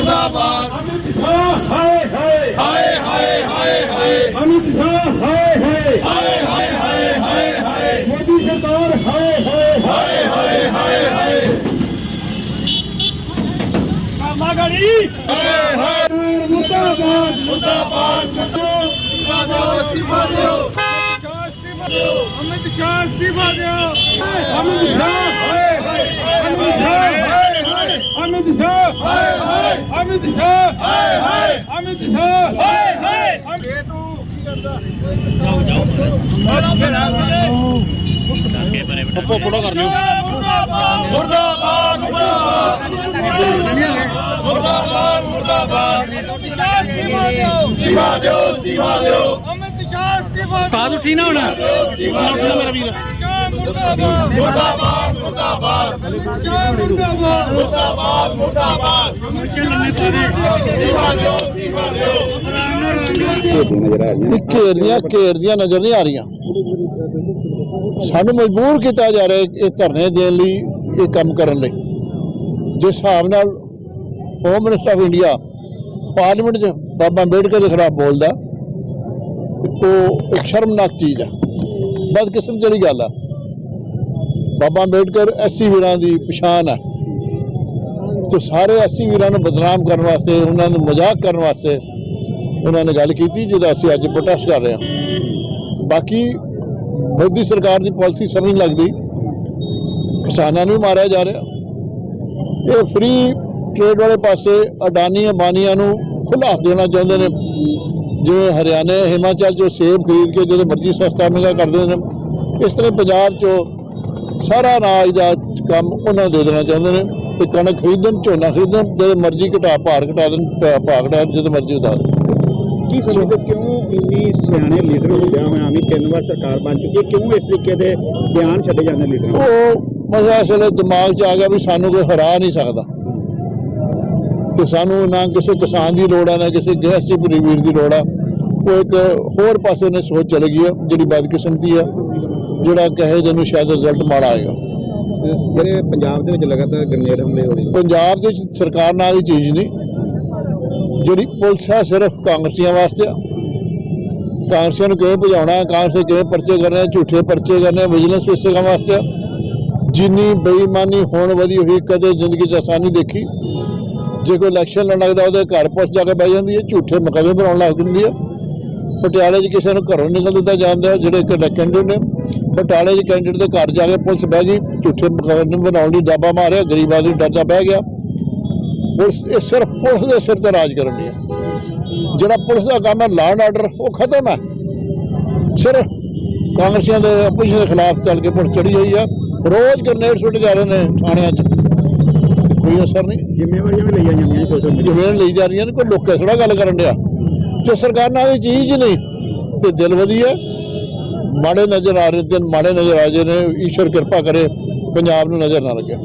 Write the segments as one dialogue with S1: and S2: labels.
S1: मुर्दाबाद
S2: अमित शाह हाय हाय
S1: हाय हाय हाय हाय
S2: अमित शाह हाय हाय
S1: हाय हाय हाय हाय हाय
S2: मोदी सरकार हाय हाय
S1: हाय हाय हाय हाय
S2: कामागाड़ी
S1: हाय हाय
S2: मुर्दाबाद
S1: मुर्दाबाद इस्तीफा दो
S2: अमित शाह इस्तीफा दो अमित शाह हाय हाय अमित शाह हाय हाय अमित शाह
S1: हाय हाय
S2: अमित शाह
S1: हाय हाय
S2: अमित शाह
S1: हाय हाय
S2: फोटो कर लियो
S1: मुर्दाबाद मुर्दाबाद मुर्दाबाद इस्तीफा दो
S2: अमित शाह इस्तीफा साथ उठी ना होना मेरा वीर
S1: मुर्दाबाद मुर्दाबाद
S2: मुर्दाबाद
S1: मुर्दाबाद मुर्दाबाद इस्तीफा दो
S3: ਘੇਰਦੀਆਂ ਨਜ਼ਰ ਨਹੀਂ ਆ ਰਹੀਆਂ ਸਾਨੂੰ ਮਜਬੂਰ ਕੀਤਾ ਜਾ ਰਿਹਾ ਇਹ ਧਰਨੇ ਦੇਣ ਲਈ ਇਹ ਕੰਮ ਕਰਨ ਲਈ ਜਿਸ ਹਿਸਾਬ ਨਾਲ home minister of India parliament 'ਚ ਬਾਬਾ ਅੰਬੇਡਕਰ ਦੇ ਖਿਲਾਫ ਬੋਲਦਾ ਉਹ ਇੱਕ ਸ਼ਰਮਨਾਕ ਚੀਜ਼ ਹੈ ਬਦਕਿਸਮਤ ਵਾਲੀ ਗੱਲ ਆ ਬਾਬਾ ਅੰਬੇਡਕਰ ਐਸਸੀ ਵੀਰਾਂ ਦੀ ਪਛਾਣ ਹੈ ਤੇ ਸਾਰੇ ਐਸਸੀ ਵੀਰਾਂ ਨੂੰ ਬਦਨਾਮ ਕਰਨ ਵਾਸਤੇ ਉਹਨਾਂ ਨੂੰ ਮਜ਼ਾਕ ਕਰਨ ਵਾਸਤੇ ਉਹਨਾਂ ਨੇ ਗੱਲ ਕੀਤੀ ਜਿਹਦਾ ਅਸੀਂ ਅੱਜ ਪ੍ਰੋਟੈਸਟ ਕਰ ਰਹੇ ਹਾਂ ਬਾਕੀ ਮੋਦੀ ਸਰਕਾਰ ਦੀ ਪਾਲਿਸੀ ਸਮਝ ਨਹੀਂ ਲੱਗਦੀ ਕਿਸਾਨਾਂ ਨੂੰ ਮਾਰਿਆ ਜਾ ਰਿਹਾ ਇਹ ਫ੍ਰੀ ਟ੍ਰੇਡ ਵਾਲੇ ਪਾਸੇ ਅਡਾਨੀ ਅੰਬਾਨੀਆਂ ਨੂੰ ਖੁੱਲ੍ਹਾ ਹੱਥ ਦੇਣਾ ਚਾਹੁੰਦੇ ਨੇ ਜਿਵੇਂ ਹਰਿਆਣੇ ਹਿਮਾਚਲ 'ਚੋਂ ਸੇਬ ਖਰੀਦ ਕੇ ਜਦੋਂ ਮਰਜ਼ੀ ਸਸਤਾ ਮਹਿੰਗਾ ਕਰਦੇ ਨੇ ਇਸ ਤਰ੍ਹਾਂ ਪੰਜਾਬ 'ਚੋਂ ਸਾਰਾ ਅਨਾਜ ਦਾ ਕੰਮ ਉਹਨਾਂ ਦੇ ਦੇਣਾ ਚਾਹੁੰਦੇ ਨੇ ਕਿ ਕਣਕ ਖਰੀਦਣ ਝੋਨਾ ਖਰੀਦਣ ਜਦੋਂ ਮਰਜ਼ੀ ਭਾਰ ਘਟਾ ਦੇਣ ਜਦੋਂ ਮਰਜ਼ੀ ਉਤਾਰ ਦੇਣ
S4: ਕੀ ਸਮਝਦੇ ਕਿਉਂ ਇੰਨੀ ਸਿਆਣੇ ਲੀਡਰ ਹੁੰਦਿਆਂ ਹੋਇਆਂ ਵੀ 3 ਵਾਰ ਸਰਕਾਰ ਬਣ ਚੁੱਕੀ ਹੈ ਕਿਉਂ ਇਸ ਤਰੀਕੇ ਦੇ ਬਿਆਨ ਛੱਡੇ ਜਾਂਦੇ ਲੀਡਰ
S3: ਉਹ ਮਜ਼ਾ ਅਸਲੇ ਦਿਮਾਗ 'ਚ ਆ ਗਿਆ ਵੀ ਸਾਨੂੰ ਕੋਈ ਹਰਾ ਨਹੀਂ ਸਕਦਾ ਤੇ ਸਾਨੂੰ ਨਾ ਕਿਸੇ ਕਿਸਾਨ ਦੀ ਲੋੜ ਆ ਨਾ ਕਿਸੇ ਗ੍ਰਹਿਸਤੀ ਵੀਰ ਦੀ ਲੋੜ ਆ ਉਹ ਇੱਕ ਹੋਰ ਪਾਸੇ ਨੇ ਸੋਚ ਚਲੇ ਗਈ ਹੈ ਜਿਹੜੀ ਬਦਕਿਸਮਤੀ ਆ ਜਿਹੜਾ ਕਹੇ ਜਿਹਨੂੰ ਸ਼ਾਇਦ ਰਿਜ਼ਲਟ ਮਾੜਾ ਆਏਗਾ
S4: ਜਿਹੜੇ ਪੰਜਾਬ ਦੇ ਵਿੱਚ ਲਗਾਤਾਰ ਗ੍ਰਨੇਡ ਹਮਲੇ ਹੋ ਰਹੇ
S3: ਪੰਜਾਬ ਦੇ ਸਰਕਾਰ ਨਾਲ ਦੀ ਚੀਜ਼ ਨਹੀਂ ਜਿਹੜੀ ਪੁਲਿਸ ਹੈ ਸਿਰਫ ਕਾਂਗਰਸੀਆਂ ਵਾਸਤੇ ਆ ਕਾਂਗਰਸੀਆਂ ਨੂੰ ਕਿਵੇਂ ਭਜਾਉਣਾ ਕਾਂਗਰਸ ਕਿਵੇਂ ਪਰਚੇ ਕਰਨੇ ਝੂਠੇ ਪਰਚੇ ਕਰਨੇ ਵਿਜੀਲੈਂਸ ਇਸੇ ਕੰਮ ਵਾਸਤੇ ਆ ਜਿੰਨੀ ਬੇਈਮਾਨੀ ਹੋਣ ਵਧੀ ਹੋਈ ਕਦੇ ਜ਼ਿੰਦਗੀ 'ਚ ਅਸਾਨੀ ਦੇਖੀ ਜੇ ਕੋਈ ਇਲੈਕਸ਼ਨ ਲੜਨ ਲੱਗਦਾ ਉਹਦੇ ਘਰ ਪੁਲਿਸ ਜਾ ਕੇ ਬਹਿ ਜਾਂਦੀ ਹੈ ਝੂਠੇ ਮੁਕੱਦਮੇ ਬਣਾਉਣ ਲੱਗ ਜਾਂਦੀ ਹੈ ਪਟਿਆਲੇ 'ਚ ਕਿਸੇ ਨੂੰ ਘਰੋਂ ਨਿਕਲ ਦਿੱਤਾ ਜਾਂਦਾ ਜਿਹੜੇ ਕੈਂਡੀਡੇਟ ਨੇ ਬਟਾਲੇ 'ਚ ਕੈਂਡੀਡੇਟ ਦੇ ਘਰ ਜਾ ਕੇ ਪੁਲਿਸ ਬਹਿ ਗਈ ਝੂਠੇ ਮੁਕੱਦਮੇ ਬਣਾਉਣ ਲਈ ਡਾਬਾ ਮਾਰਿਆ ਗਰੀਬ ਆਦਮੀ ਡਰਦਾ ਬਹਿ ਗਿਆ ਪੁਲਿਸ ਇਹ ਸਿਰਫ ਪੁਲਿਸ ਦੇ ਸਿਰ ਤੇ ਰਾਜ ਕਰਨ ਦੀ ਹੈ ਜਿਹੜਾ ਪੁਲਿਸ ਦਾ ਕੰਮ ਹੈ ਲਾਅ ਐਂਡ ਆਰਡਰ ਉਹ ਖਤਮ ਹੈ ਸਿਰਫ ਕਾਂਗਰਸੀਆਂ ਦੇ ਆਪੋਜੀਸ਼ਨ ਦੇ ਖਿਲਾਫ ਚੱਲ ਕੇ ਪੁਲਿਸ ਚੜੀ ਹੋਈ ਆ ਰੋਜ਼ ਗ੍ਰਨੇਡ ਸੁੱਟ ਜਾ ਰਹੇ ਨੇ ਥਾਣਿਆਂ 'ਚ ਕੋਈ ਅਸਰ ਨਹੀਂ
S4: ਜ਼ਿੰਮੇਵਾਰੀਆਂ ਵੀ ਲਈਆਂ ਜਾਂਦੀਆਂ ਸੋਸ਼ਲ ਮੀਡੀਆ
S3: ਜਿਵੇਂ ਲਈ ਜਾ ਰਹੀਆਂ ਨੇ ਕੋਈ ਲੋਕਾਂ ਥੋੜਾ ਗੱਲ ਕਰਨ ਡਿਆ ਜੋ ਸਰਕਾਰ ਨਾਲ ਇਹ ਚੀਜ਼ ਨਹੀਂ ਤੇ ਦਿਲ ਵਧੀਆ ਮਾੜੇ ਨਜ਼ਰ ਆ ਰਹੇ ਦਿਨ ਮਾੜੇ ਨਜ਼ਰ ਆ ਜੇ ਨੇ ਈਸ਼ਵਰ ਕਿਰਪਾ ਕਰੇ ਪੰਜਾਬ ਨੂੰ ਨਜ਼ਰ ਨਾ ਲੱਗੇ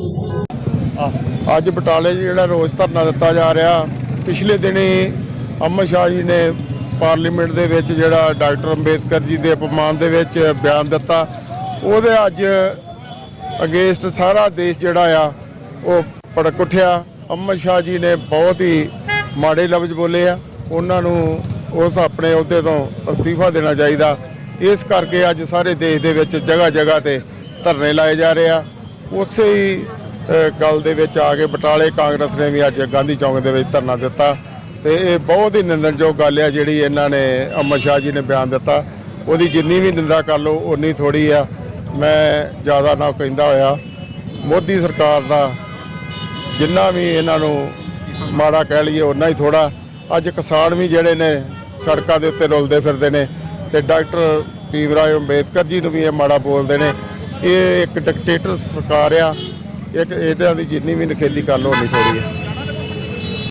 S5: ਅੱਜ ਬਟਾਲੇ 'ਚ ਜਿਹੜਾ ਰੋਸ ਧਰਨਾ ਦਿੱਤਾ ਜਾ ਰਿਹਾ ਪਿਛਲੇ ਦਿਨੀ ਅਮਿਤ ਸ਼ਾਹ ਜੀ ਨੇ ਪਾਰਲੀਮੈਂਟ ਦੇ ਵਿੱਚ ਜਿਹੜਾ ਡਾਕਟਰ ਅੰਬੇਦਕਰ ਜੀ ਦੇ ਅਪਮਾਨ ਦੇ ਵਿੱਚ ਬਿਆਨ ਦਿੱਤਾ ਉਹਦੇ ਅੱਜ ਅਗੇਂਸਟ ਸਾਰਾ ਦੇਸ਼ ਜਿਹੜਾ ਆ ਉਹ ਭੜਕ ਉੱਠਿਆ ਅਮਿਤ ਸ਼ਾਹ ਜੀ ਨੇ ਬਹੁਤ ਹੀ ਮਾੜੇ ਲਫ਼ਜ਼ ਬੋਲੇ ਆ ਉਹਨਾਂ ਨੂੰ ਉਸ ਆਪਣੇ ਅਹੁਦੇ ਤੋਂ ਅਸਤੀਫਾ ਦੇਣਾ ਚਾਹੀਦਾ ਇਸ ਕਰਕੇ ਅੱਜ ਸਾਰੇ ਦੇਸ਼ ਦੇ ਵਿੱਚ ਜਗ੍ਹਾ ਜਗ੍ਹਾ ਤੇ ਧਰਨੇ ਲਾਏ ਜਾ ਰਹੇ ਆ ਉਸੇ ਹੀ ਗੱਲ ਦੇ ਵਿੱਚ ਆ ਕੇ ਬਟਾਲੇ ਕਾਂਗਰਸ ਨੇ ਵੀ ਅੱਜ ਗਾਂਧੀ ਚੌਂਕ ਦੇ ਵਿੱਚ ਧਰਨਾ ਦਿੱਤਾ ਤੇ ਇਹ ਬਹੁਤ ਹੀ ਨਿੰਦਣਯੋਗ ਗੱਲ ਆ ਜਿਹੜੀ ਇਹਨਾਂ ਨੇ ਅਮਿਤ ਸ਼ਾਹ ਜੀ ਨੇ ਬਿਆਨ ਦਿੱਤਾ ਉਹਦੀ ਜਿੰਨੀ ਵੀ ਨਿੰਦਾ ਕਰ ਲਓ ਉਨੀ ਥੋੜੀ ਆ ਮੈਂ ਜ਼ਿਆਦਾ ਨਾ ਕਹਿੰਦਾ ਹੋਇਆ ਮੋਦੀ ਸਰਕਾਰ ਦਾ ਜਿੰਨਾ ਵੀ ਇਹਨਾਂ ਨੂੰ ਮਾੜਾ ਕਹਿ ਲਈਏ ਉਨਾ ਹੀ ਥੋੜਾ ਅੱਜ ਕਿਸਾਨ ਵੀ ਜਿਹੜੇ ਨੇ ਸੜਕਾਂ ਦੇ ਉੱਤੇ ਰੁਲਦੇ ਫਿਰਦੇ ਨੇ ਤੇ ਡਾਕਟਰ ਭੀਮ ਰਾਓ ਅੰਬੇਦਕਰ ਜੀ ਨੂੰ ਵੀ ਇਹ ਮਾੜਾ ਬੋਲਦੇ ਨੇ ਇਹ ਇੱਕ ਡਿਕਟੇਟਰ ਸਰਕਾਰ ਆ ਇੱਕ ਇਹਨਾਂ ਦੀ ਜਿੰਨੀ ਵੀ ਨਖੇਦੀ ਕਰ ਲਓ ਉਨੀ ਥੋੜੀ ਹੈ